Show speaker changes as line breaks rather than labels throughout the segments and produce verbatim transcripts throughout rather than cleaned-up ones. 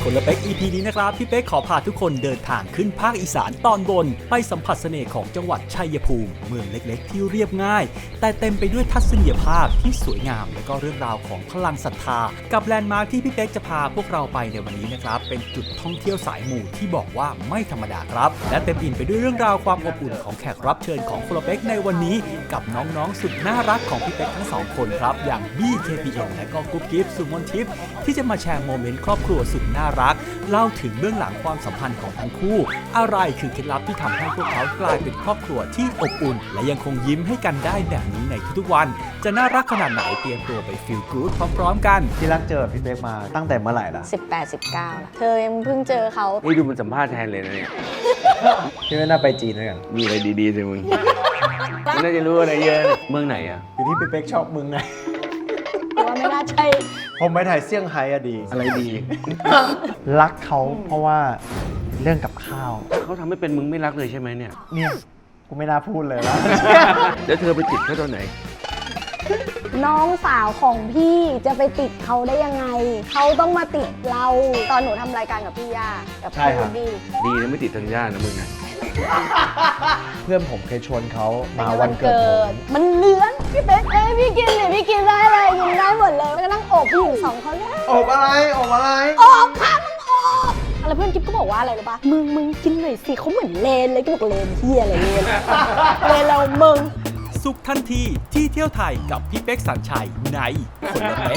คนละเป๊ก อี พี นี้นะครับพี่เป๊กขอพาทุกคนเดินทางขึ้นภาคอีสานตอนบนไปสัมผัสเสน่ห์ของจังหวัดชัยภูมิเมืองเล็กๆที่เรียบง่ายแต่เต็มไปด้วยทัศนียภาพที่สวยงามและก็เรื่องราวของพลังศรัทธากับแลนด์มาร์คที่พี่เป๊กจะพาพวกเราไปในวันนี้นะครับเป็นจุดท่องเที่ยวสายหมู่ที่บอกว่าไม่ธรรมดาครับและเต็มอิ่มไปด้วยเรื่องราวความอบอุ่นของแขกรับเชิญของคนละเป๊กในวันนี้กับน้องๆสุดน่ารักของพี่เป๊กทั้งสองคนครับอย่างบี้ เค พี เอ็ม และก็กุ๊บกิ๊บสุมนทิพย์ที่จะมาแชร์โมเมนต์ครอบครัวสุดน่ารักเล่าถึงเบื้องหลังความสัมพันธ์ของทั้งคู่อะไรคือเคล็ดลับที่ทำให้พวกเขากลายเป็นครอบครัวที่อบอุ่นและยังคงยิ้มให้กันได้แบบนี้ในทุกๆวันจะน่ารักขนาดไหนเตรียมตัวไปฟีลกู๊ดพร้อมๆกัน
ที่รักเจอพี่เป๊กมาตั้งแต่เมื่อไหร่ล่ะ
สิบแปด สิบเก้าล่ะเธอยังเพิ่งเจอเขา
นี่ดูมันสัมภาษณ์แทนเลยนะเนี่ย
พี่ไม่น่าไปจีนด้วยกัน
มีอะไรดีๆสิมึงมันน่าจะรู้อะไรเยอะเมืองไหนอ่ะ
อยู่ที่พี่เป๊กชอบมึงไง
ว่าไม่น่าใช่
ผมไปถ่ายเซี่ยงไฮ้อะดี
อะไรดี
รักเขาเพราะว่าเรื่องกับข้าว
เขาทำให้เป็นมึงไม่รักเลยใช่ไหมเนี่ย
เนี่ยกูไม่น่าพูดเลยแล้ว
แล้วเธอไปติดเขาตอนไหน
น้องสาวของพี่จะไปติดเขาได้ยังไงเขาต้องมาติดเราตอนหนูทำรายการกับพี่ย่ากับพี่บี้
ดีนะไม่ติดทางย่านะมึงนะ
เพื่อนผมเคยชวนเขามาวันเกิด
มันเลื้อนพี่เป๊กเอ้ยพี่กินเนี่ยพี่กินได้เลยกินได้หมดเลยแล้วก็นั่งโอบผู้หญิงสองคนเลย
โอบอะไรโอบอะไร
โอบค่ะมึงโอบอะไรเพื่อนกิ๊บก็บอกว่าอะไรรู้ป่ะมึงมึงกินหน่อยสิเขาเหมือนเลนเลยก็บอกเลนเที่ยอะไรเลนเลนเรามึง
สุขทันทีที่เที่ยวไทยกับพี่เป๊กสัญชัยในคนละเป๊ก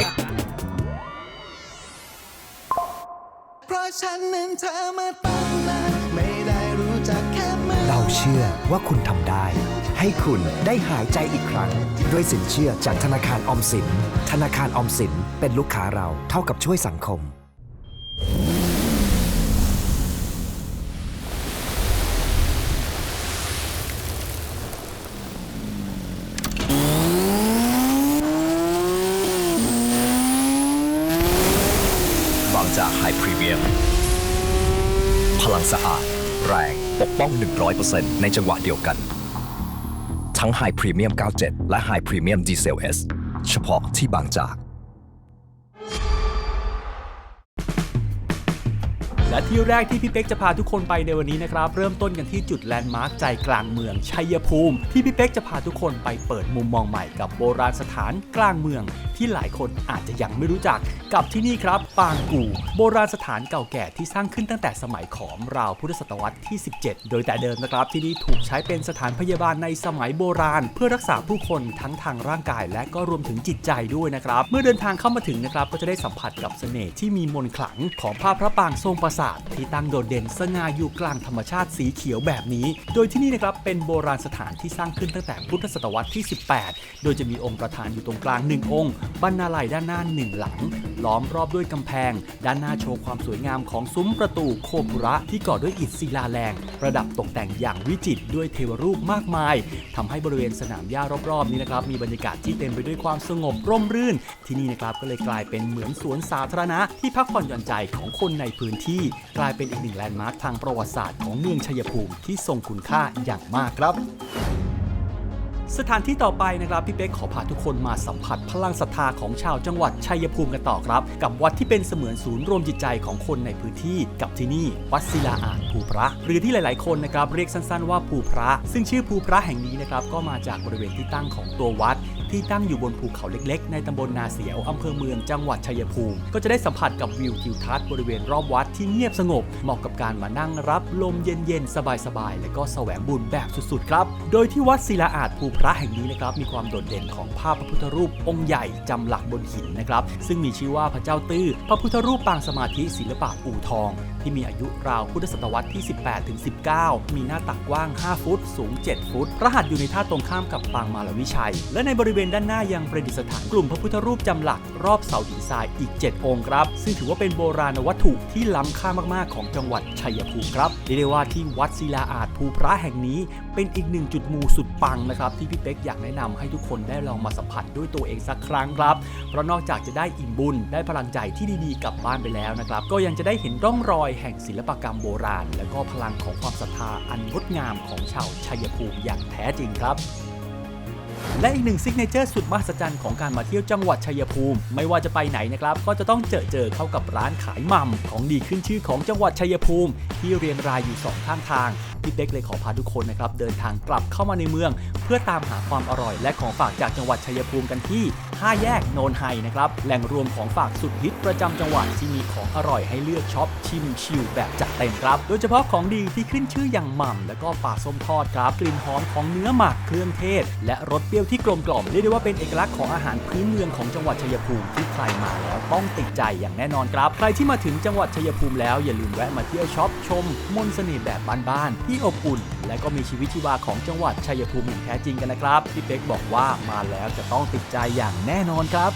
เพราะฉันนั้นเธอมาตั้งนานไม่ได้รู้จักแค่มือเราเชื่อว่าคุณทำได้ให้คุณได้หายใจอีกครั้งด้วยสินเชื่อจากธนาคารออมสินธนาคารออมสินเป็นลูกค้าเราเท่ากับช่วยสังคม
จากไฮพรีเมียมพลังสะอาดแรงปกป้อง หนึ่งร้อยเปอร์เซ็นต์ ในจังหวะเดียวกันทั้งไฮพรีเมียม เก้าสิบเจ็ด และไฮพรีเมียมดีเซล S เฉพาะที่บางจาก
และที่แรกที่พี่เป๊กจะพาทุกคนไปในวันนี้นะครับเริ่มต้นกันที่จุดแลนด์มาร์คใจกลางเมืองชัยภูมิที่พี่เป๊กจะพาทุกคนไปเปิดมุมมองใหม่กับโบราณสถานกลางเมืองที่หลายคนอาจจะยังไม่รู้จักกับที่นี่ครับปางกู่โบราณสถานเก่าแก่ที่สร้างขึ้นตั้งแต่สมัยขอมราวพุทธศตวรรษที่สิบเจ็ดโดยแต่เดิมนะครับที่นี่ถูกใช้เป็นสถานพยาบาลในสมัยโบราณเพื่อรักษาผู้คนทั้งทางร่างกายและก็รวมถึงจิตใจด้วยนะครับเมื่อเดินทางเข้ามาถึงนะครับก็จะได้สัมผัสกับเสน่ห์ที่มีมนต์ขลังของภาพพระปางทรงปราสาทที่ตั้งโดดเด่นสง่าอยู่กลางธรรมชาติสีเขียวแบบนี้โดยที่นี่นะครับเป็นโบราณสถานที่สร้างขึ้นตั้งแต่พุทธศตวรรษที่สิบแปดโดยจะมีองค์ประธานอยู่ตรงกลางหนึ่งองค์บรรณาลัยด้านหน้าหนึ่งหลังล้อมรอบด้วยกำแพงด้านหน้าโชว์ความสวยงามของซุ้มประตูโคบุระที่ก่อด้วยอิฐศิลาแรงประดับตกแต่งอย่างวิจิตรด้วยเทวรูปมากมายทำให้บริเวณสนามหญ้ารอบๆนี้นะครับมีบรรยากาศที่เต็มไปด้วยความสงบร่มรื่นที่นี่นะครับก็เลยกลายเป็นเหมือนสวนสาธารณะที่พักผ่อนหย่อนใจของคนในพื้นที่กลายเป็นอีกหนึ่งแลนด์มาร์คทางประวัติศาสตร์ของเมืองชัยภูมิที่ทรงคุณค่าอย่างมากครับสถานที่ต่อไปนะครับพี่เป๊กขอพาทุกคนมาสัมผัสพลังศรัทธาของชาวจังหวัดชัยภูมิกันต่อครับกับวัดที่เป็นเสมือนศูนย์รวมจิตใจของคนในพื้นที่กับที่นี่วัดศิลาอาจภูพระหรือที่หลายๆคนนะครับเรียกสั้นๆว่าภูพระซึ่งชื่อภูพระแห่งนี้นะครับก็มาจากบริเวณที่ตั้งของตัววัดที่ตั้งอยู่บนภูเขาเล็กๆในตำบลนาเสียวอำเภอเมืองจังหวัดชัยภูมิก็จะได้สัมผัสกับวิวทิวทัศน์บริเวณรอบวัดที่เงียบสงบเหมาะกับการมานั่งรับลมเย็นๆสบายๆและก็แสวงบุญแบบสุดๆครับโดยที่วัดศิลาอาจภูพระแห่งนี้นะครับมีความโดดเด่นของภาพพระพุทธรูปองค์ใหญ่จำหลักบนหินนะครับซึ่งมีชื่อว่าพระเจ้าตื้อพระพุทธรูปปางสมาธิศิลปะอู่ทองที่มีอายุราวพุทธศตวรรษที่ สิบแปดถึงสิบเก้า มีหน้าตักกว้าง ห้า ฟุตสูง เจ็ด ฟุตพระหัตถ์อยู่ในท่าตรงข้ามกับปางมารวิชัยและในบริเวณด้านหน้ายังประดิษฐานกลุ่มพระพุทธรูปจำหลักรอบเสาหินทรายอีก เจ็ด องค์ครับซึ่งถือว่าเป็นโบราณวัตถุที่ล้ำค่ามากๆของจังหวัดชัยภูมิครับเรียกได้ว่าที่วัดศิลาอาจภูพระแห่งนี้เป็นอีกหนึ่งจุดมูสุดปังนะครับที่พี่เป๊กอยากแนะนำให้ทุกคนได้ลองมาสัมผัสด้วยตัวเองสักครั้งครับเพราะนอกจากจะได้อิ่มบุญได้พลังใจที่ดีๆกลับบ้านไปแล้วนะครับก็ยังจะได้เห็นร่องรอยแห่งศิลปกรรมโบราณและก็พลังของความศรัทธาอันงดงามของชาวชัยภูมิอย่างแท้จริงครับและอีกหนึ่งซิกเนเจอร์สุดมหัศจรรย์ของการมาเที่ยวจังหวัดชัยภูมิไม่ว่าจะไปไหนนะครับก็จะต้องเจอเจอเข้ากับร้านขายหม่ำของดีขึ้นชื่อของจังหวัดชัยภูมิที่เรียงรายอยู่สองข้างทางพี่เป๊กเลยขอพาทุกคนนะครับเดินทางกลับเข้ามาในเมืองเพื่อตามหาความอร่อยและของฝากจากจังหวัดชัยภูมิกันที่ห้าแยกโนนไฮนะครับแหล่งรวมของฝากสุดฮิตประจำจังหวัดที่มีของอร่อยให้เลือกช็อปชิมชิลแบบจัดเต็มครับโดยเฉพาะของดีที่ขึ้นชื่ออย่างหม่ำและก็ปลาส้มทอดครับกลิ่นหอมของเนื้อหมักเครื่องเทศและรสเปรี้ยวที่กลมกล่อมเรียกได้ว่าเป็นเอกลักษณ์ของอาหารพื้นเมืองของจังหวัดชัยภูมิที่ใครมาแล้วต้องติดใจอย่างแน่นอนครับใครที่มาถึงจังหวัดชัยภูมิแล้วอย่าลืมแวะมาเที่ยวช็อปชมมนต์เสน่ห์แบบบ้านๆที่อบอุ่นและก็มีชีวิตชีวาของจังหวัดชัยภูมิอย่างแท้จริงกันนะครับพี่เป๊กบอกว่ามาแล้วจะต้องติดใจอย่างแน่นอนครับ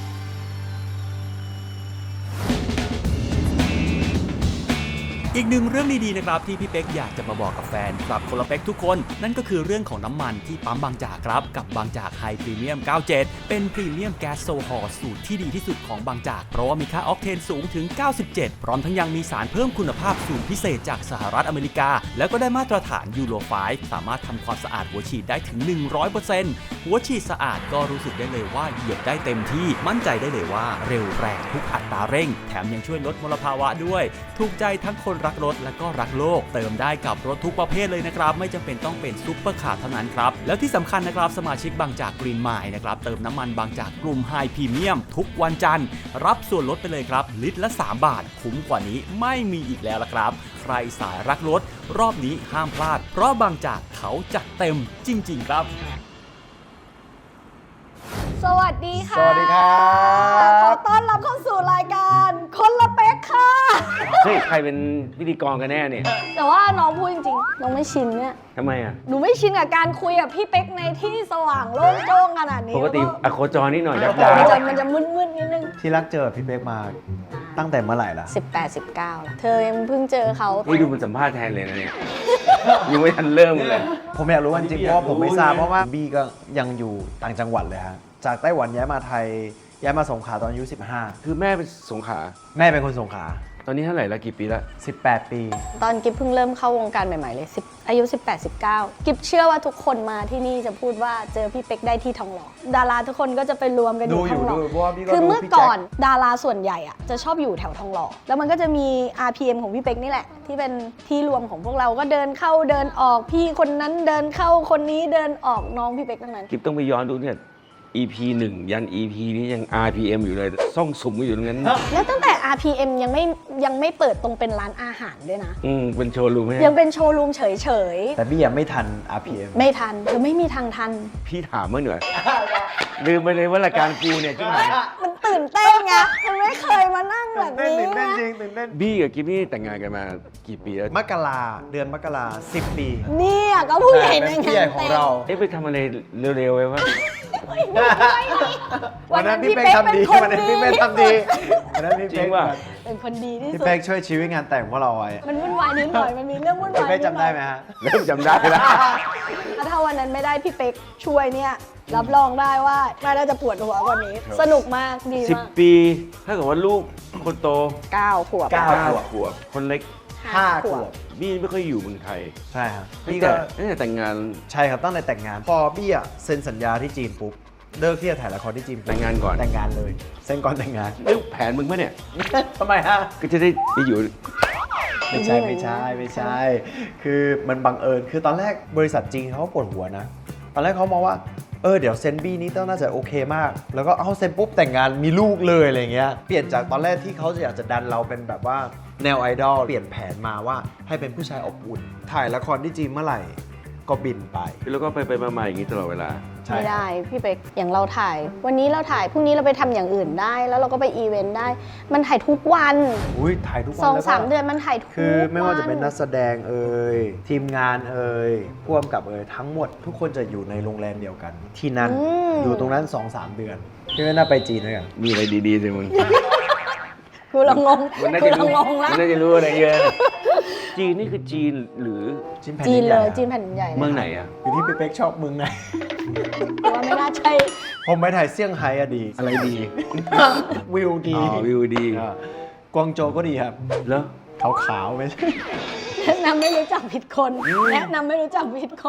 อีกหนึ่งเรื่องดีๆนะครับที่พี่เป๊กอยากจะมาบอกกับแฟนคลับคนละเป๊กทุกคนนั่นก็คือเรื่องของน้ำมันที่ปั๊มบางจากครับกับบางจากไฮพรีเมียมเก้าสิบเจ็ดเป็นพรีเมียมแก๊สโซฮอล์สูตรที่ดีที่สุดของบางจากเพราะว่ามีค่าออกเทนสูงถึงเก้าสิบเจ็ดพร้อมทั้งยังมีสารเพิ่มคุณภาพสูตรพิเศษจากสหรัฐอเมริกาแล้วก็ได้มาตรฐานยูโรไฟว์สามารถทำความสะอาดหัวฉีดได้ถึง หนึ่งร้อยเปอร์เซ็นต์ หัวฉีดสะอาดก็รู้สึกได้เลยว่าเหยียบได้เต็มที่มั่นใจได้เลยว่าเร็วแรงทุกอัตราเร่งแถมยังช่วยลดมลภาวะด้วยถูกใจทั้งคนรักรถและก็รักโลกเติมได้กับรถทุกประเภทเลยนะครับไม่จำเป็นต้องเป็นซุปเปอร์คาร์เท่านั้นครับแล้วที่สำคัญนะครับสมาชิกบางจากกรีนไมล์นะครับเติมน้ำมันบางจากกลุ่มไฮพรีเมียมทุกวันจันทร์รับส่วนลดไปเลยครับลิตรละสามบาทคุ้มกว่านี้ไม่มีอีกแล้วละครับใครสายรักรถรอบนี้ห้ามพลาดเพราะบางจากเขาจัดเต็มจริงๆครับ
สวัสดีค่ะ
สวัสดีครับ
ขอต้อนรับเข้าสู่รายการคนละเป๊กค่ะ
เฮ้ยใครเป็นพิธีกรกันแน่เนี่ย
แต่ว่าน้องพูดจริงๆน้องไม่ชินเนี่ย
ทำไมอ่ะ
หนูไม่ชินกับการคุยกับพี่เป๊กในที่สว่างโล่งโจ้งขนาดนี้
ปกติ
แล้ว
อะโคจรนิดหน่อยดับ
ก็
ดา
มันจะมันจะมืดๆนิดนึง
ที่รักเจอพี่เป๊กมาตั้งแต่เมื่อไหร่ล่ะ
สิบแปด สิบเก้าแล้วเธอยังเพิ่งเจอเขา
นี่ดูมันสัมภาษณ์แทนเลยนะเนี่ย ยังไม่ทันเริ่มเลย
ผมอยากรู้ว่าจริงๆเพราะว่าผมไม่ทราบเพราะว่าบี้ก็ยังอยู่ต่างจังหวัดเลยฮะจากไต้หวันย้ายมาไทยย้ายมาสงขลาตอนอายุสิบห้า
คือแม่เป็นสงขลา
แม่เป็นคนสงขลา
ตอนนี้เท่าไหร่ละกี่ปีละ
สิบแปดปี
ตอนกิฟเพิ่งเริ่มเข้าวงการใหม่ๆเลย10อายุ สิบแปด สิบเก้า กิฟเชื่อว่าทุกคนมาที่นี่จะพูดว่าเจอพี่เป๊กได้ที่ทองหล่อดาราทุกคนก็จะไปรวมกันอยู่ทองหล่อ
ดูอยู่ดูเพราะว่าพี่ก็
คือ
ดู
เมื่อ
พี่แจ็ค
ก่อนดาราส่วนใหญ่อะจะชอบอยู่แถวทองหล่อแล้วมันก็จะมี อาร์ พี เอ็ม ของพี่เป๊กนี่แหละที่เป็นที่รวมของพวกเราก็เดินเข้าเดินออกพี่คนนั้นเดินเข้าคนนี้เดินออกน้องพี่เป๊กทั้งนั้น
กิฟต้องไปย้อนดูเนี่ย อี พี หนึ่ง ยัน อี พี นี้ยัง อาร์ พี เอ็ม อยู่เลยซ่องสุมอยู่ตรงนั้น
แล้วตั้งแต่ อาร์ พี เอ็ม ยังไม่ยังไม่เปิดตรงเป็นร้านอาหารด้วยนะ
อืมเป็นโชว์รูมไหม
ยังเป็นโชว์รูมเฉย
แต่บี้ยังไม่ทัน อาร์ พี เอ็ม
ๆไม่ทันคือไม่มีทางทัน
พี่ถามเมื่อหน่อย ลืมไปเลยว่ารายการกูเนี่ยใช่ไหม
มันตื่นเต้นไง มันไม่เคยมานั่งแบบนี้
ตื่นเต้น
นะ
จริงตื่นเต้น
บี้กับกิฟนี่แต่งงานกันมากี่ปีแล้ว
มกราเดือนมกราสิบปี
เนี่ยก็ผู้ใหญ่ใน
เป็น
งาน
พี่ใหญ่ของเรา
เอ๊ะไปทำอะไรเร็วๆไว้วะ
วันนั้นพี่เป๊กทำดีวันนั้นพี่เป๊กทำดีวันนั้นพี่
จริ
เป๊
ง
ก
ว่ะ
เป็นคนดีที่
พี่
สุด
เป๊กช่วยชีวิตงานแต่งพวกเราไว้
มันวุ่นวายนิดหน่อย มันมีเรื่องวุ่น
พี่
วาย
เป๊ก
นิ
จำได้ไหมฮะ
เริ่มจำได้แล้ว
ถ้าวันนั้นไม่ได้พี่เป๊กช่วยเนี่ย รับรองได้ว่าน่าจะปวดหัวกว่านี้ สนุกมาก ดี
สิบ
มาก
ปีถ้าเกิดว่าลูกคนโต
เก้าขวบ
เก้า
ห้าขวบคนเล็ก
ห้าขวบ
บี้ไม่ค่อยอยู่เมืองไทย
ใช่ครับ
ตั้
พี่
งแต่
ก็
ตั้งแต่แต่งงาน
ใช่ครับตั้งแต่แต่งงาน พอบี้อะเซ็นสัญญาที่จีนปุ๊บเลิกที่จะถ่ายละครที่จีน
แต่งงานก่อน
แต่งงานเลยเซ็นก่อนแต่งงาน
เอ้ยแผนมึงปะเนี่ย
ทำไมฮะ
ก็จะได้ไปอยู่
ไม่ใช่ไม่ใช่ไม่ใช่ คือมันบังเอิญคือตอนแรกบริษัทจีนเขาก็ปวดหัวนะ ตอนแรกเขามองว่าเออเดี๋ยวเซนบี้นี้ต้องน่าจะโอเคมาก แล้วก็เอาเซนปุ๊บแต่งงานมีลูกเลยอะไรเงี้ยเปลี่ยนจากตอนแรกที่เขาจะอยากจะดันเราเป็นแบบว่าแนวไอดอลเปลี่ยนแผนมาว่าให้เป็นผู้ชายอบอุ่น ถ่ายละครที่จีนเมื่อไหร่ก็บินไป
แล้วก็ไปไปมาๆอย่างนี้ตลอดเวลา
ใช่
ไม่ได้พี่เป๊กอย่างเราถ่าย วันนี้เราถ่ายพรุ่งนี้เราไปทำอย่างอื่นได้ แล้วเราก็ไปอีเวนต์ได้ มันถ่ายทุกวัน
อุ้ยถ่ายทุกวัน
สอง
แล้วก็
สามเดือนมันถ่ายทุกวัน
คือไม่ว่าจะเป็นนักแสดงเอ่ยทีมงานเอ่ยพ่วงกับเอ่ยทั้งหมด ทุกคนจะอยู่ในโรงแรมเดียวกัน ที่นั่นอยู่ตรงนั้น สองสาม เดือนพี่ไม่น่าไปจีนด้วยกัน
มีอะไรดีๆสิมึง
คือเรางง
มันน่า
คือ
จะ
เรา
รู้
งงแล้ว
มันน่าจะรู้อะไรเยอะ จีนนี่คือจีนหรือ
จีนแผ่น
จี
ดิ
น
นให
เล
ญ่
ย
อะ
จีนแผ่นดินใหญ่เลย
เมืองไหนอ่ะ
อยู่ที่พี่เป๊กชอบเมืองไหน
แต่ว่าไม่น่าใช่
ผมไปถ่ายเซี่ยงไฮ้อะดี
อะไรดี
วิวดี
อ๋อวิวดี
อ่ากวางโจวก็ดีครับ
แล้ว
ขาวๆไม่ใช่
แนะนำไม่รู้จักผิดคนแนะนำไม่รู้จักผิดคน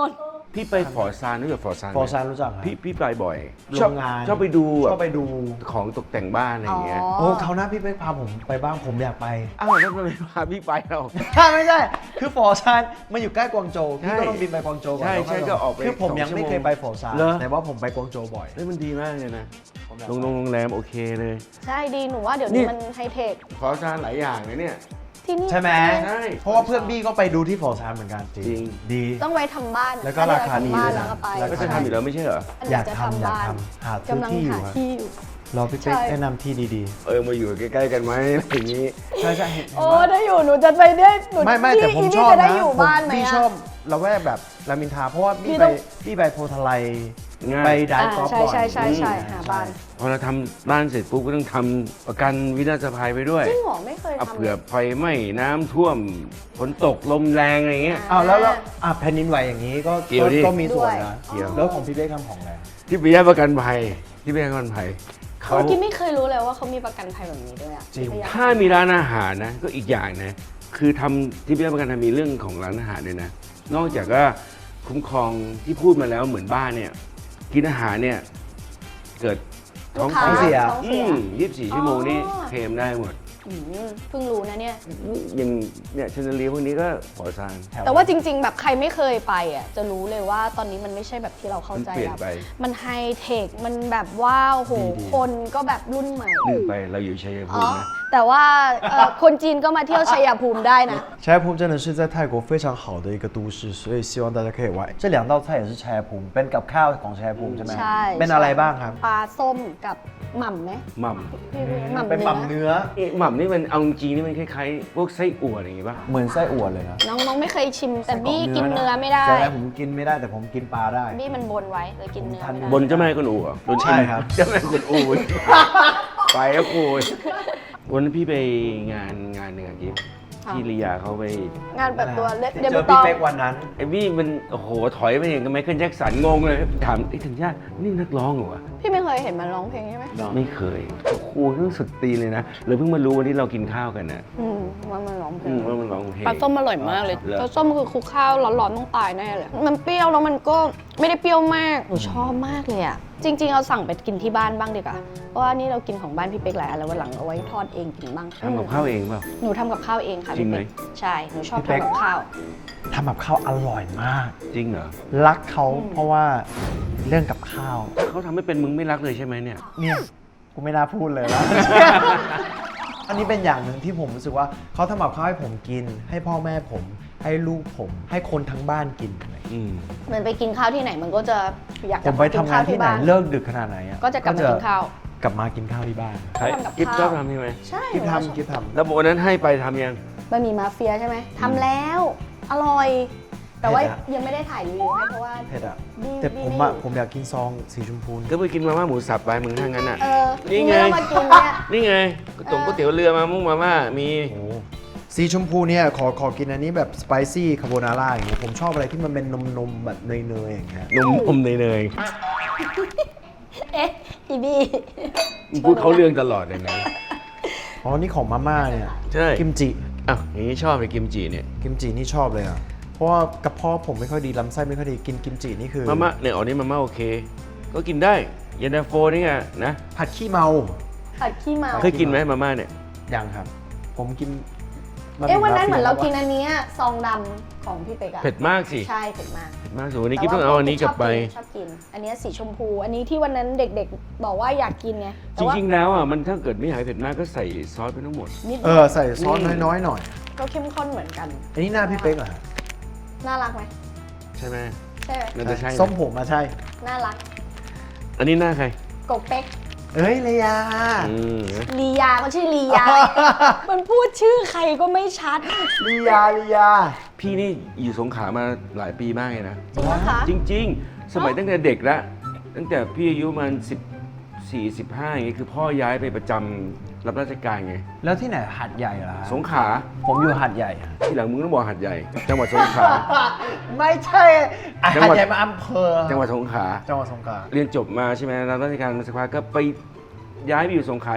พี่ไปฟอร์ซานรู้จักฟอร์ซานไหม
ฟอร์ซานรู้จักครับ
พี่พี่ไปบ่อย
โร
ชอบ
งงาน
ชอบไปดู
ชอบไปดู
ของตกแต่งบ้านอะไรอย่างเงี้ย
โอ้เขาวหน้าพี่เป๊กพาผมไปบ้างผมอยากไป
อ้าวแล้วทำไมพาพี่ไปเรา
ไม่ใช่ คือฟอร์ซานมันอยู่ใกล้กวางโจวพี่ก็ต้องบินไปกวางโจวก่อน
ใช่ใช่
แล้ว
ก็ออกไป
คือผมยัง
สองชั่ว
ไม่
โมง
เคยไปฟอร์ซาน
เหรอ
แต่ว่าผมไปกวางโจวบ่อย
เฮ้ยมันดีมากเลยนะ
ผมอยาก
โรงโรงโรงแรมโอเคเลย
ใช่ดีหนูว่าเดี๋ยว
นี่
นี้มันไฮเทค
ฟอร์ซานหลายอย่างเลยเนี่ย
ที่นี่
ใช่ไหม
ใช่
เพราะว่าเพื่อนบี้ก็ไปดูที่ฟอร์ซานเหมือนกัน
จริง
ดี
ต้องไว้ทำบ้าน
แล้วก็ราคาดี
บ้า
ด้
น
วยนะ
แล้วก็ไป
แล้ว
ก็จะทำอยู่แล้วไม่ใช่เหรอ
อัน
อ
นี้
ยาก
จะ
ทำ
ทำ
อยาก
บ้าน
ทำหาซื้อก
ำลัง
ที่อยู่
หา
ครับ
ที่อยู่
รอพี่เป๊ก
ใช่
แนะนำที่ดี
เออมาอยู่ใกล้ๆกันไหมอะไรอย่างงี้
ๆ ใช่ใช่เห็น
โอ้ถ้าอยู่หนูจะไปได้หนู
ไม่ไม่แต่ผม
พี่
ชอบ
จะได้
นะ
อยู่
ผม
บ้านไหม
พี่
อะ
ชอบละแวกแบบรามอินทราเพราะว่า
พี่
พี่
ต้
ไป
อง
พี่ไปโพธิ์ทะไล
ง่าย
ไปได
อ่า
ฟ์กอล์ฟ
ใช่
บ่อย
ใช่ใช่ใช่
อืม
หาบ้าน
พอเราทำบ้านเสร็จปุ๊บก็ต้องทำประกันวินาศภัยไปด้วย
จริงเหรอไม่เคย
เอา
ทำ
เผื่อไฟไหม้น้ำท่วมฝนตกลมแรงอะไรเงี้ย
อ้าวแล้วแล้วอ่ะแผ่นดินไหวอย่างนี้ก็
เกี่ยวดิ
ก็มีส่วนนะ
เกี่ยว
แล้วของพี่เป๊กทำของอะไร
ที่ไปแยกประกันภัยที่ไปแยกประกันภัยเขา
เมื่อกี้ไม่เคยรู้เลยว่าเขามีประกันภัยแบบนี้ด้วยอะ
จริง
ไม่อยก
ถ้ามีร้านอาหารนะก็อีกอย่างนะคือทำที่ไปแยกประกันภัยมีเรื่องของร้านอาหารด้วยนะนอกจากว่าคุ้มครองที่พูดมาแล้วเหมือนบ้านเนี่ยกินอาหารเนี่ยเกิดท้อง
ลูกค้า
เสีย
ท้อง
อื
เสีย
มยี่สิบสี่ชั่วโมงนี่
อ๋อ
เคลมได้หมด
อืมเพิ่งรู้นะเนี่ย
อย่างเนี่ยชนเลียพวกนี้ก็ขอซาน
แต่ว่าจริง ๆ แบบใครไม่เคยไปอ่ะจะรู้เลยว่าตอนนี้มันไม่ใช่แบบที่เราเข้าใจ
มันเปลี่ยน
แล้ว
ไป
มันไฮเทคมันแบบว้าวโหคนก็แบบรุ่นใหม่
ลืมไปเราอยู่ชัยภู
อ๋อ
มินะ
แต่ว่าเอ่อคนจีนก็มาเที่ยวชัยภูมิได้นะ
ชัยภูมิ真的是在泰国非常好的一个都市，所以希望大家可以玩。这两道菜也是ชัยภูมิเป็นกับข้าวของชัยภูมิใช่ไหม
ใช่
เป็นอะไรบ้างครับ
ปลาส้มกับหม่ำไหม
หม่
พี่หม่ำ
เป็นหม่ำ
เนื้อ
เนื้อ
ำเอ๊ะหม่ำนี่มันเอาจริงๆนี่มันคล้ายๆพวกไส้อั่วอะไรอย่างงี้ป่ะ
เหมือนไส้อั่วเลยนะ
น้องน้องไม่เคยชิมแต่บี้กินเนื้อไม่ได้
ใช่ผมกินไม่ได้แต่ผมกินปลาได้
บี้มันบนไว้เลยกินเนื้อไม่ได้
บนเจ้าแม่กุนอู่เหรอ
ใช่ครับ
เจ้าแม่กุนอู่ ไปแล้วกูวันนั้นพี่ไปงานงานหนึ่งอะกิฟที่ลียาเขาไป
งานแบบตัวเล็ก
ที่
เด
เจ
บิ
อ
วต
พี่
อง
เป๊กวันนั้น
ไอ้บี้มันโอ้โหถอยไปอย่างกับไมเคิลแจ็คสันงงเลย ถามไอ้ธัญญานี่นักร้องเหรอวะ
พี่ไม่เคยเห็นมันร้องเพลงใช่ไหม
ไม่เคยโอ้โหเรื่องสุดตีนเลยนะเลยเพิ่งมารู้วันที่เรากินข้าวกันนะ
อืมว่ามันร้องเพล
อื
ง
มว่ามันร้องเพลง
ปลาส้มอร่อยมากเลย
เหรอ
ปลาส้มคือคลุกข้าวร้อนๆต้องตายแน่เลย มันเปรี้ยวแล้วมันก็ไม่ได้เปรี้ยวมาก หนูชอบมากเลยอ่ะ จริงๆ เอาสั่งไปกินที่บ้านบ้างดีกว่า เพราะว่านี่เรากินของบ้านพี่เป๊กหลายอันแล้ววันหลังเอาไว้ทอดเองกินบ้าง
ทำกับข้าวเองเปล่า
หนูทำกับข้าวเองค่ะ
จริงไหม
พี่เป๊กใช่ หนูชอบ
พี่เป๊ก
ทำกับข้าว
ทำกับข้าวอร่อยมาก
จริงเหรอ
รักเขาเพราะว่าเรื่องกับข้าว
ถ้าเขาทำไม่เป็นมึงไม่รักเลยใช่ไหมเนี่ย
เนี่ยกูไม่น่าพูดเลยแล้ว อันนี้เป็นอย่างหนึ่งที่ผมรู้สึกว่าเขาทำกับข้าวให้ผมกิน ให้พ่อแม่ผม ให้ลูกผม ให้คนทั้งบ้านกินอะไรอย่างเงี้ย
อืม
เหมือนไปกินข้าวที่ไหนมันก็จะอยาก
ผ
กลับ
ม
มา
ไป
กิ
ทำงานที่ไหน
บ้
เลิกดึกขนาดไหนอะ
ก็จะกลับมากินข้าว
กลับมากินข้าวที่บ้าน
ใช่
ทำกับ
กิ๊บช
ข้า
อบ
ว
ทำใช่ไหม
ใช่
กิน
หนูชอบ
ทำกินทำ
แล้ววันนั้นให้ไปทำยัง
บะหมี่มาเฟียใช่ไหมทำแล้ว อร่อย แต่ว่า
เผ็ดอะ
ยังไม่ได้ถ่ายรีวิวให้เพราะว่า
เผ็ดอะ
บี้
แต่
บี้
ผม
ไม่
อะ
อยู่
ผมอยากกินซองสีชมพู
ก็ไปกินมาม่าหมูสับไปมึงถ้างั้นอ่ะ
เออ
นี่ไง
ไม่ต้องมากินเนี่ย
นี่ไงก๋วยตงก๋วยเตี๋ยวเรือมามุ่งมาม่ามี
โอ้โหสีชมพูเนี่ยขอขอกินอันนี้แบบสไปซี่คาโบนาร่าอย่างเงี้ยผมชอบอะไรที่มันเป็นนมนมๆแบบเนยๆอย่างเงี้ย
นมอมเนย
เอ๊ะอีบี้
ๆมึงพูดเขาเรื่องตลอดเลยนะ
อ๋อนี่ของมาม่าเนี่ย
ใช่
กิมจิ
อ้าวอย่างนี้ชอบเลยกิมจิเนี่ย
กิมจินี่ชอบเลยอ่ะเพราะว่ากระเพาะผมไม่ค่อยดีลำไส้ไม่ค่อยดีกินกิมจินี่คือ
มาม่าเนี่ยอ๋อนี่มาม่าโอเค ก็กินได้เย็นตาโฟนี่ไงนะ
ผัดขี้เมา
ผัดขี้เมา
เคยกินไหมมาม่าเนี่ย
ยังครับ ผมกิน
เอ๊ะวันนั้นเหมือนเรากินอันเนี้ยซองดำของพี่เป๊กอะ
เผ็ดมากสิ
ใช่เผ็ดมาก
เผ็ดมากสุดวันนี้กิ๊บต้องเอาอันนี้กลับไป
ชอบกิน อันเนี้ยสีชมพู อันนี้ที่วันนั้นเด็กๆ บอกว่าอยากกินไง
จ
แต่ว่า
ริงๆแล้วอ่ะมันถ้าเกิดไม่หายเผ็ดมากก็ใส่ซอสไปทั้งหมด
นิด
เออใส่ซอสน้อยๆหน่อย
ก็เข้มข้นเหมือนกัน
อันนี้หน้าพี่เป๊กเหรอฮะ
น่ารักไหม
ใช่ไหม
ใช่ไหม
น่าจะใช่นะ
ส้มผมมาใช่
น่ารัก
อันนี้หน้าใคร
กบเป๊ก
เอ้ยเลยา
อืม
ลียาก็ชื่อลียา มันพูดชื่อใครก็ไม่ชัด
ลียาลียา
พี่นี่อยู่สงขลามาหลายปีมากเลยนะ
จริงปะคะ
จริง ๆ สมัยตั้งแต่เด็กแล้วตั้งแต่พี่อายุประมันสิบสี่สิบห้าอย่างเงี้ยคือพ่อย้ายไปประจำรับราชการไง
แล้วที่ไหนหัดใหญ่เหรอฮะ
สงขลา
ผมอยู่หัดใหญ่อะ
ที่หลังมึงต้องบอกหัดใหญ่ จังหวัดสงขลา
ไม่ใช่อ่ะ
จัง
หัด
หวัด
ใหญ่มาอำเภอ
จังหวัดสงขลา
จังหวัดสงขลา
เรียนจบมาใช่ไหมรับราชการมาสักพักก็ไปย้ายไปอยู่สงขลาอีก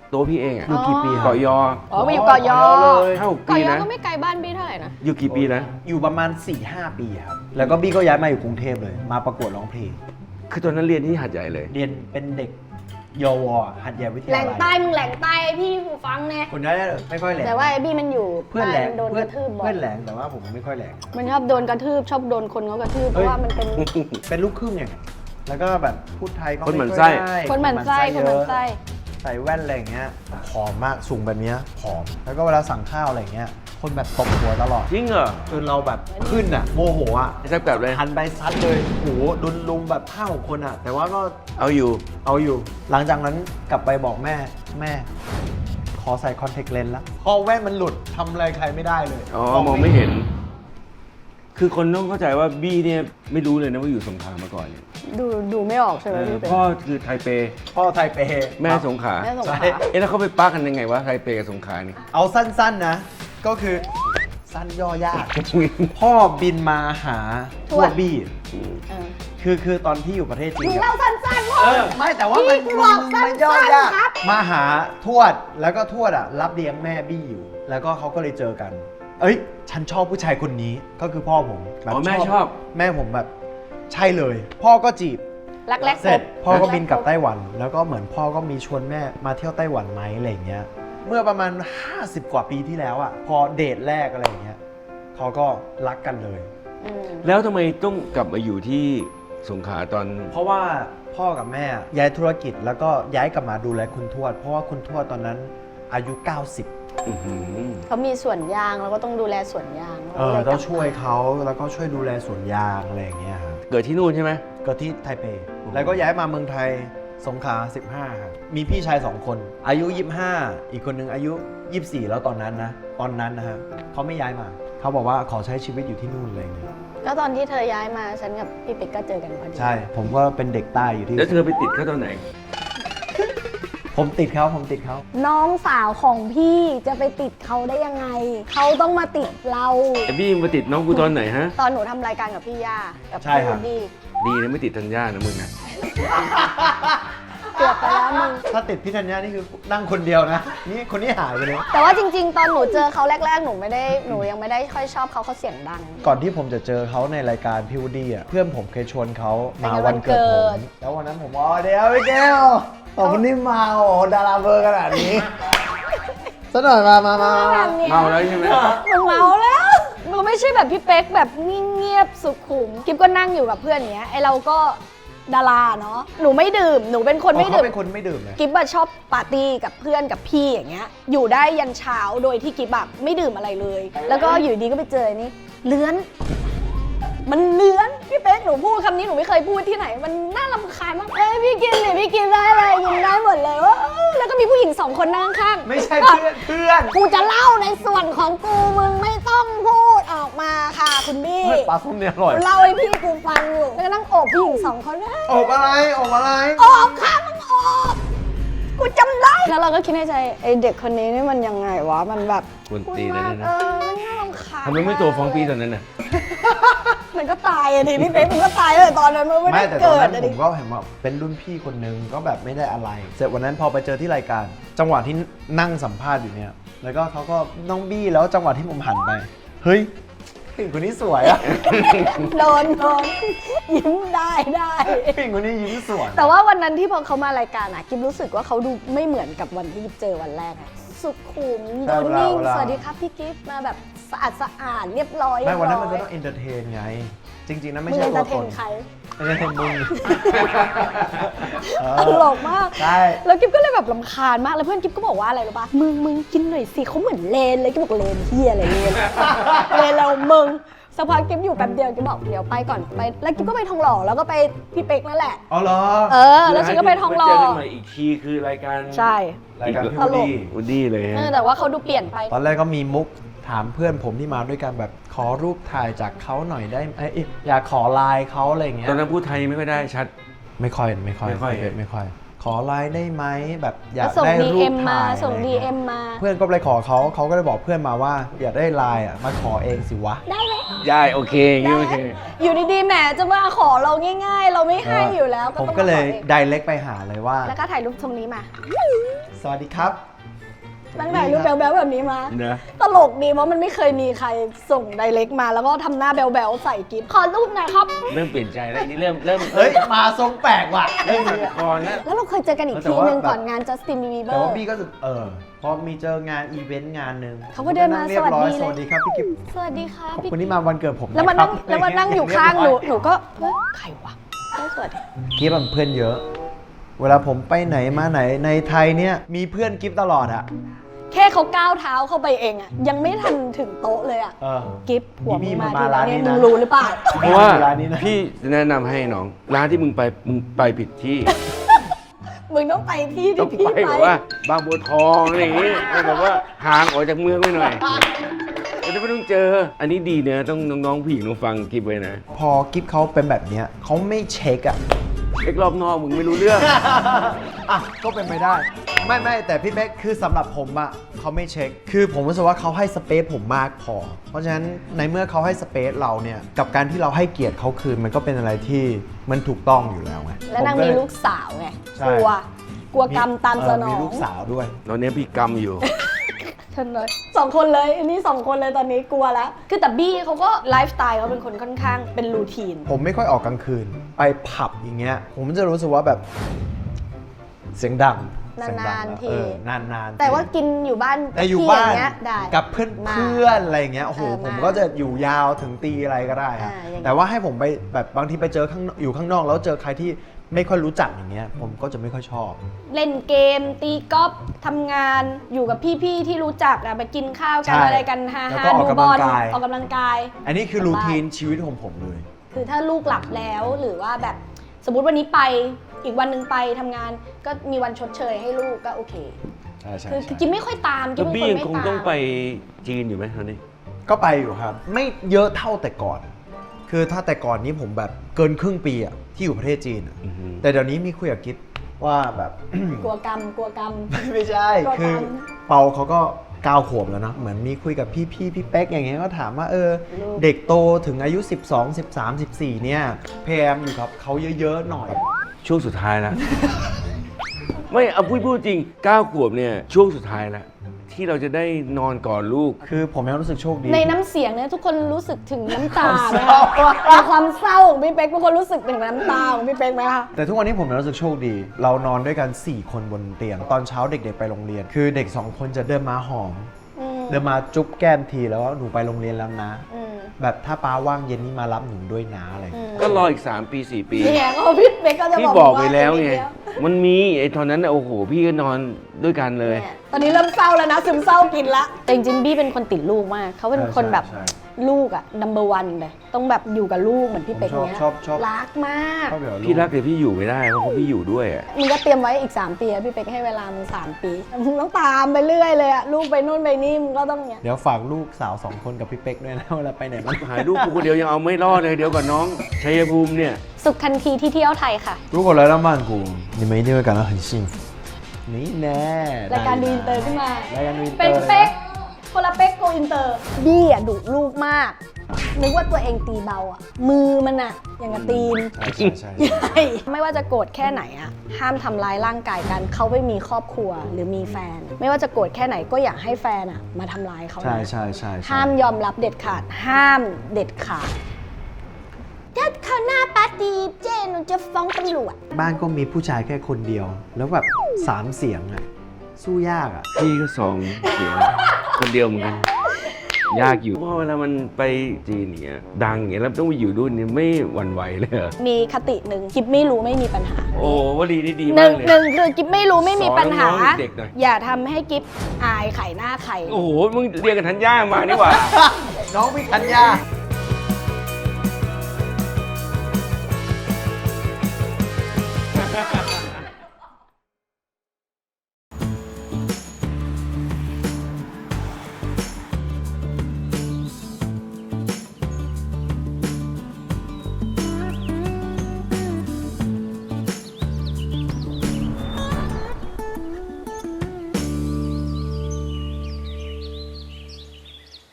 ตัวพี่เองอะ
อยู่กี่ปีครับ
เกาะยอ
อ๋อไปอยู่เกาะยอ
เลย
ห้าหก
เกาะ
ปี
ยอ
นะ
ก็ไม่ไกลบ้านบี้เท่าไหร่นะ
อยู่กี่ปีนะ
อยู่ประมาณ สี่ห้า ปีครับ แล้วก็บี้ก็ย้ายมาอยู่กรุงเทพเลย มาประกวดร้องเพลง
คือตอนนั้นเรียนที่หาดใหญ่เลย
เรียนเป็นเด็กยวหัดใหญ่วิท
แหล่
ยาง ลัย
ใต้มึงแหล่งใต้ไอ้พี่หูฟังเนี่ย
คนนั้นไม่ค่อยแหลง
แต่ว่าไอ้บี้มันอยู่
เพื่อนแหลง
ใต้มัโดน
เพื่
ก
อน
ระทืบบ่อ
เพื่
ย
อนแหลงแต่ว่าผมไม่ค่อยแหลง
มันชอบโดนกระทืบชอบโดนคนเขากระทืบเพ
เฮ้
ราะ
ย
ว่ามันเป็น
เป็นลูกครึ่งไงแล้วก็แบบพูดไทยก็
คนหมั่น
ไอย
ไส้
ได้
คนหมั่นไส้คนหมั่นไส้
เยอะใส่แว่นอะไรอย่างเงี้ยผอมมากสูงแบบเนี้ยผอม แล้วก็เวลาสั่งข้าวอะไรอย่างเงี้ยคนแบบตบหัวตลอด
จริงเหรอ
จนเราแบบขึ้นอ่ะโมโหอ่ะ
ไอ้แซ่บกลับเลย
หันไปซัดเลยโหดุนลุมแบบห้าหกคนอ่ะ แต่ว่าก็
เอาอยู่
เอาอยู่ หลังจากนั้นกลับไปบอกแม่แม่ ขอใส่คอนแทคเลนส์ละพอแว่นมันหลุดทำอะไรใครไม่ได้เลย
อ๋อ มองไม่เห็น คือคนต้องเข้าใจว่าบี้เนี่ยไม่รู้เลยนะว่าอยู่สงขลามาก่อนเนี่ย
ดูดูไม่ออกใช่ไหม
เออ
พี่เป็น
พ่อคือไทเป
พ่อไทยเป
แม่สงขลา
แม่สงขลา
ใช่
เอ๊ะแล้วเขาไปปักกันยังไงวะไทเปกับสงขลานี่
เอาสั้นๆนะ ก็คือสั้นย่อยาก พ่อบินมาหาทวดบี้
เออ
คือคือตอนที่อยู่ประเทศจี
มึ
น
ง
อะ
เล่าสั้นๆพ่อ
เออไม่แต่ว่ามัน
พี่บอกสั้
มัน นย่อ
ๆ
ยาก
ครับ
มาหาทวดแล้วก็ทวดอ่ะ รับเลี้ยงแม่บี้อยู่ แล้วก็เขาก็เลยเจอกัน เอ้ย ฉันชอบผู้ชายคนนี้ก็คือพ่อผมแบบ
อ๋อแม่ชอบ
แม่ผมแบบใช่เลย พ่อก็จีบ
รักแรก
เสร็จ
พบ
พ่อก็บินกลับไต้หวัน แล้วก็เหมือนพ่อก็มีชวนแม่มาเที่ยวไต้หวันไหมอะไรอย่างเงี้ย เมื่อประมาณ ห้าสิบ กว่าปีที่แล้วอ่ะพอเดทแรกอะไรอย่างเงี้ยเขาก็รักกันเลย
อืม
แล้วทำไมต้องกลับมาอยู่ที่สงขลาตอน
เพราะว่าพ่อกับแม่ย้ายธุรกิจแล้วก็ย้ายกลับมาดูแลคุณทวด เพราะว่าคุณทวดตอนนั้นอายุ เก้าสิบ
อื้อหือ
เขามีสวนยางเราก็ต้องดูแลสวนยาง
เออต้องช่วยเขาแล้วก็ช่วยดูแลสวนยางอะไรอย่างเงี้ยครับ
เกิดที่นู่นใช่ไหม
ก็ที่ไทเป แล้วก็ย้ายมาเมืองไทยสงขลาสิบห้าครับมีพี่ชายสองคน อายุ ยี่สิบห้า อีกคนนึงอายุ ยี่สิบสี่ แล้วตอนนั้นนะตอนนั้นนะฮะเขาไม่ย้ายมาเขาบอกว่าขอใช้ชีวิตอยู่ที่นู่นอะไรอย่างเงี้ย
ก็ตอนที่เธอย้ายมาฉันกับพี่เป็กก็เจอกันพอดี
ใช่ ผมก็เป็นเด็กใต้อยู่ที่
แล้วเธอไปติดเขาตอนไหน
ผมติดเขาผมติดเขา
น้องสาวของพี่จะไปติดเขาได้ยังไง เขาต้องมาติดเรา
ไอ้บี้มาติดน้องกูตอนไหนฮะ
ตอนหนูทำรายการกับพี่ย่ากับ
ใช่
พี่
ครั
วู
บ
ดดี้
ดีนะไม่ติดธัญญานะมึงนะ
เกือบไปแล้วมึง
ถ้าติดพี่ธัญญานี่คือนั่งคนเดียวนะ นี่คนนี้หายไปเลย
แต่ว่าจริง ๆ ตอนหนูเจอเขาแรก ๆ หนูไม่ได้หนูยังไม่ได้ค่อยชอบเขาเขาเสียงดัง
ก่อนที่ผมจะเจอเขาในรายการพี่วูดดี้อ่ะเพื่อนผมเคยชวนเขามา
ไปงานวั
วัน
น
เกิด
เกิ
ผ
ด
ม แล้ววันนั้นผมว่าอ๋อเดี๋ยวพี่แก้วตอนนี้มาโอ้โหดาราเบอร์ขนาดนี้สักหน่อยมามามามา
เมาแล้วใช่ไหม
มึงเมาแล้วมึงไม่ใช่แบบพี่เป๊กแบบเงียบๆสุขุมกิ๊บก็นั่งอยู่กับเพื่อนอย่างเงี้ยไอเราก็ดาราเนาะหนูไม่ดื่มหนูเป็นคนไม่
เขา
ดื่ม
เป็นคนไม่ดื่มเลย
กิ๊บอะชอบปาร์ตี้กับเพื่อนกับพี่อย่างเงี้ยอยู่ได้ยันเช้าโดยที่กิ๊บแบบไม่ดื่มอะไรเลย แล้วก็อยู่ดีก็ไปเจออนนี่เลื้อน มันเลื้อนพี่เป๊กหนูพูดคำนี้หนูไม่เคยพูดที่ไหน มันน่ารำคาญมากเอ้ยพี่กินเลยพี่กินได้เลยกินได้หมดเลยว่าแล้วก็มีผู้หญิงสองคนนั่งข้าง
ไม่ใช่
ก็
เพื่อนเพื่อน
กูจะเล่าในส่วนของกูมึงไม่ต้องพูดออกมาค่ะคุณบี้
เฮ้ยปลาส้มเนี่ยอร่อย
เล่าให้พี่กูฟังอยู่แล้วก็นั่งโอบผู้หญิงสองคนเอ้ย
อบอะไรอบอะไร
โอบค่ะมึงโอบกูจำได้แล้วเราก็คิดในใจไอเด็กคนนี้นี่มันยังไงวะมันแบบ
กวนตีนเลยนะ
เออมันน่ารำคาญ
ทำไมไม่ตัวฟ้องพี่ตอนนั้นน่ะ
มันก็ตายอะดิพี่เป๊กมันก็ตายเลยตอนนั้นมันไม่
ไม่
ได้
แต่ตอน
เกิด
นั้น
อะ
ผ
ดิ
มก็เห็นว่าเป็นรุ่นพี่คนนึงก็แบบไม่ได้อะไร เสร็จวันนั้นพอไปเจอที่รายการ จังหวะที่นั่งสัมภาษณ์อยู่เนี่ย แล้วก็เขาก็น้องบี้แล้วจังหวะที่ผมหันไป เฮ้ยผู้หญิงคนนี้สวยอะ
โดนโดนยิ้มได้ได้
ผู้หญิงคนนี้ยิ้มสวย
แต่ว่าวันนั้นที่พอเขามารายการอะกิมรู้สึกว่าเขาดูไม่เหมือนกับวันที่กิฟเจอวันแรกอะสุขุมโดนนิ่งสวัสดีครับพี่กิฟมาแบบสะอาดสะอาดเรียบร้อย
ไม่วันนั้นมันก็
เรียบ
ต้องเอนเตอร์เทนไง จริง ๆนะ
ร้
ไม่
อย
ใช่
มึง
ตัว
เอนเตอร์เท
ต
น
น
ใคร
เอนเตอร์เทนมึง เอ
ต
อ
ลกมาก
ใช่
แล้วกิ๊บก็เลยแบบลำคาญมาก แล้วเพื่อนกิ๊บก็บอกว่าอะไรรู้ปะมึงมึงกินหน่อยสิเขาเหมือนเลนเลยกิ๊บบอกเลนเฮียอะไรเลน เลนเรามึงสักพักกิ๊บอยู่แป๊บเดียวกิ๊บบอกเดี๋ยวไปก่อนไป แล้วกิ๊บก็ไปทองหล่อแล้วก็ไปพี่เป็กนั่นแหละ
อ๋อเหรอ
เออ แล้วฉันก็ไปทองหล่อ
เจอกันใหม่อีกทีคือรายการ
ใช่
รายการพี่
ต
วูด
ลก
ดี้
วูดดี้เลย
เอ
ฮะ
อแต่ว่าเขาดูเปลี่ยนไป
ตอนแรกก็มีมุกถามเพื่อนผมที่มาด้วยกันแบบขอรูปถ่ายจากเขาหน่อยได้ไหมเอ้ยอยากขอไลน์เขาอะไรอย่างเงี้ย
ตอนนั้นพูดไทยไม่ค่อยได้ชัด
ไม่ค่อยไม่ค่อย
ไม่ค่อย
ไม่ค่อย ขอไลน์ได้ไหมแบบอยาก
ส่ง
ได้รูป
ดี เอ็ม มา
ถ่าย
ส่ง
อะไร
ดี
เงี้ย
เอ็มมา
เพื่อนก็ไปขอเขาเขาก็เลยบอกเพื่อนมาว่า อยากได้ไลน์อ่ะมาขอเองสิวะ
ได้ไหม
ได้โอเคอย่างงี้โอเค
อยู่ดีๆแหมจะมาขอเราง่าย ๆ เราไม่ให้อยู่แล้ว
ผม
ต้อง
ก็เลย
มาขออง
ไดเรกไปหาเลยว่า
แล้วก็ถ่ายรูปตรงนี้มา
สวัสดีครับ
ตั้งแต่รูปแบ๊วๆแบบนี้มา
นะ
ตลกดีเพราะมันไม่เคยมีใครส่งไดเรกมาแล้วก็ทำหน้าแบ๊วๆใส่กิฟขอรูปหน่อยครับ
เริ่มเปลี่ยนใจแล้วนี่เริ่มเริ่ม
เฮ้ย มาทรงแปลกว่ะ
เริ่มตัดก่อนแล้ว
แล้วเราเคยเจอกันอีก
แต่
ที
ว่า
นึง
แบบ
ก่อนงานจัสตินบีบีเบอ
แต่ว่า
ร์
บี้ก็จะเออ พอมีเจองานอีเวนต์งานหนึ่ง
เขาก็เดินมา
เรียบร้อย
ส
ส
วั
วั
ส
ส
ดี
ดี
เลย
ครับพี่กิ๊ฟ
สวัสดีค่ะ
ขอบ
พี่
คุณที่มาวันเกิดผม
แล้วมานั่ง
ะครับ
แล้วมานั่งอยู่ข้างหนูหนูก็เฮ้ยใครวะเฮ้ยสวัสดี
กิ๊ฟมันเพื่อนเยอะ เวลาผมไปไหนมาไหนในไทยเนี่ยมีเพื่อนกิ๊ฟตลอดอะ
แค่เขาก้าวเท้าเข้าไปเองอะยังไม่ทันถึงโต๊ะเลยอะ
เออ
กิฟหัว
นี่
มึง
พี่
มา
มา
ที่
ร้าน
นี่
นี้
มึ
นะ
งรู้หรือเปล่า
เพราะว่า
ร้านนี้นะ
พี่จะแนะนำให้น้อง ร้านที่มึงไปมึงไปผิดที่
มึงต้องไปที่
ต้อ
ที่
ง
พี่
ไป
ไป
แบบว่าบางบัวทองอะไรอย่างงี้แบบว่าห่างออกจากเมืองไปหน่อยจะไม่ต้องเจอ อันนี้ดีเนอะต้องน้องๆผู้หญิงต้องฟังกิฟไว้นะ
พอกิ๊ฟเขาเป็นแบบเนี้ยเขาไม่เช็คอะ
เอ็กรอบนอกมึงไม่รู้เรื่อง
อ่ะก็เป็นไปได้ ไม่ไม่แต่พี่เป๊กคือสำหรับผมอะเขาไม่เช็ค คือผมรู้สึกว่าเขาให้สเปซผมมากพอ เพราะฉะนั้นในเมื่อเขาให้สเปซเราเนี่ยกับการที่เราให้เกียรติเขาคืนมันก็เป็นอะไรที่มันถูกต้องอยู่แล้วไง
แล้วนาง
ผ
มี
เย
ลูกสาวไง
ใช่
กลัว กลัวกรรมตามสน
เมี
อง
ลูกสาวด้วย
ตอนนี้พี่กำอยู่
ฉันเลยสองคนเลยอันนี้สองคนเลยตอนนี้กลัวแล้ว คือแต่บี้เขาก็ไลฟ์สไตล์เขาเป็นคนค่อนข้างเป็นรูทีน
ผมไม่ค่อยออกกลางคืน ไปผับอย่างเงี้ย ผมจะรู้สึกว่าแบบเสียงดังเสียงดัง
นานๆที
เออนานๆ
แต่ว่ากินอยู่บ้าน
แต่อยู่
ที่
บ้าน
งเงี้ยได้
กับเพื่อน
มา
เพื่อนอะไรอย่างเงี้ยโอ้โห
เออ
ผม
มา
ก็จะอยู่ยาวถึงตีอะไรก็ได้ครับ
อ่าอย่างเงี้ย
แต่ว่าให้ผมไปแบบบางทีไปเจอข้างนอกอยู่ข้างนอกแล้วเจอใครที่ไม่ค่อยรู้จักอย่างเงี้ย ผมก็จะไม่ค่อยชอบ
เล่นเกม ตีกอล์ฟทำงานอยู่กับพี่ๆที่รู้จักอะไปกินข้าวกัน
ใช่
อะไรกันฮา
แล้ว
ฮา
ก็ออก
ดู
กำ
บ
ลั
อง ล
กาย
ออกกำลังกาย
อันนี้คือรูทีนชีวิตของผมเลย
คือถ้าลูกหลับแล้วหรือว่าแบบสมมุติวันนี้ไปอีกวันหนึ่งไปทำงาน ก็มีวันชดเชยให้ลูกก็โอเค
ใช่ใช่
คือคือ
ใช่
กินไม่ค่อยตามกิ
แล้
น
ว
เป็น
บี้
คน
ยัง
ไม่
คง
ตาม
ต้องไปจีนอยู่ไหมตอนนี้
ก็ไปอยู่ครับ ไม่เยอะเท่าแต่ก่อน คือถ้าแต่ก่อนนี้ผมแบบเกินครึ่งปีอะที่อยู่ประเทศจีนอะ
อือฮึ
แต่เดี๋ยวนี้มีคุยกับกิ๊บว่าแบบ
กลัวกรรมกลัวกรรม
ไม่ใช่
ก็
คือ
ตาม
เปาเขาก็เก้าขวบแล้วเนอะเหมือนมีคุยกับพี่พี่พี่เป๊กอย่างเงี้ยก็ถามว่าเออ
ลูก
เด็กโตถึงอายุ สิบสอง สิบสาม สิบสี่เนี่ยพยายามอยู่กับเขาเยอะๆหน่อย
ช่วงสุดท้ายแล้ว ไม่เอาพูดพูดจริงเก้าขวบเนี่ยช่วงสุดท้ายแล้วที่เราจะได้นอนกอดลูก
คือผมยังรู้สึกโชคดี
ในน้ำเสียงเนี่ยทุกคนรู้สึกถึงน้ำตาไหม
ความเศร้า
คะในความเศร้าของพี่เป๊กทุกคนรู้สึกถึงน้ำตาของพี่เป๊กไหมคะ
แต่ทุกวันนี้ผมยังรู้สึกโชคดี เรานอนด้วยกัน สี่ คนบนเตียง ตอนเช้าเด็กๆไปโรงเรียน คือเด็ก 2 คนจะเดินมาหอม
อืม
เดินมาจุ๊บแก้มทีแล้วว่าหนูไปโรงเรียนแล้วนะ
อืม
แบบถ้าป้าว่างเย็นนี้มารับหนูด้วยนะอะไรอย่าง
อื
เงี้ย
ม
ก็รออีก สาม ปี สี่ ปี
เนี่ยก็พี่เป๊กก็จะ
พี่
บอก
บอก
ว่า
ไปแล้วไง
นิดเดีย
มันมีไอ้ตอนนั้นน่ะโอ้โห พี่ก็นอนด้วยกันเลย
เนี่ยตอนนี้เริ่มเศร้าแล้วนะซึมเศร้ากินละแต่จริงๆบี้เป็นคนติดลูกมากเขาเป็นคนแบบ
ใช่ใช่
ลูกอะ number one เลยต้องแบบอยู่กับลูกเหมือนพี่เป๊ก
ผมชอบ
เนี้ย
ชอบชอบ
รักมาก
ชอบแบบ
พี่รักแต่พี่อยู่ไม่ได้เพราะเขาพี่อยู่ด้วยอะ
มึงก็เตรียมไว้อีก สาม ปีอะพี่เป๊กให้เวลามึงสามปีมึงต้องตามไปเรื่อยเลยอะลูกไปนู่นไปนี่มึงก็ต้องเนี้ย
เดี๋ยวฝากลูกสาวสองคนกับพี่เป๊กด้วยนะเวลาไปไหนมา
หายลูกกูคนเดียวยังเอาไม่รอดเลยเดี๋ยวก่อนน้องชัยภูมิเนี่ย
สุขทันทีที่เที่ยวไทยค่ะ
如果来到曼谷，你们一定会感到很幸福。นี่แน่
รายการดูอินเตอร์ขึ้นมา
รายการดูอินเตอ
เป็น
ร์
เป๊กคนละเป๊กโกอินเตอร์บี้อะดุลูกมากนึกว่าตัวเองตีเบาอะมือมันอะอย่างกับตีน
ใช่ใช่ใช่
ใช่ไม่ว่าจะโกรธแค่ไหนอะห้ามทำร้ายร่างกายกันเขาไม่มีครอบครัวหรือมีแฟน ไม่ว่าจะโกรธแค่ไหนก็อย่าให้แฟนอะมาทำร้ายเขา
ใช่
นะ
ใช่ใช่ใช่
ห้ามยอมรับเด็ดขาด ห้ามเด็ดขาดถ้าเขาหน้าปาตีเจนจะฟ้องตำรวจ
บ้านก็มีผู้ชายแค่คนเดียว แล้วแบบสามเสียงอะสู้ยากอะ
พี่ก็สองเสียงคนเดียวเหมือนกัน ยากอยู่เพราะเวลามันไปจีนเนี่ยดังอย่างเงี้ยแล้วต้องไปอยู่ด้วยเนี่ยไม่หวั่นไหวเลยเหรอ
มีคติหนึ่งกิ๊บไม่รู้ไม่มีปัญหา
โอ้วลีนี่ดี
ห
มา
นึ่
ก
ง
เลย
หนึ่งคือกิ๊บไม่รู้ไม่มีปัญหา
สอนน้องๆเด็กๆหน่อย
อย่าทำให้กิ๊บอายไข่หน้าไข่
โอ้โห มึงเรียกกันทันย่ามานี่หว่า
น้องพี่ธัญญา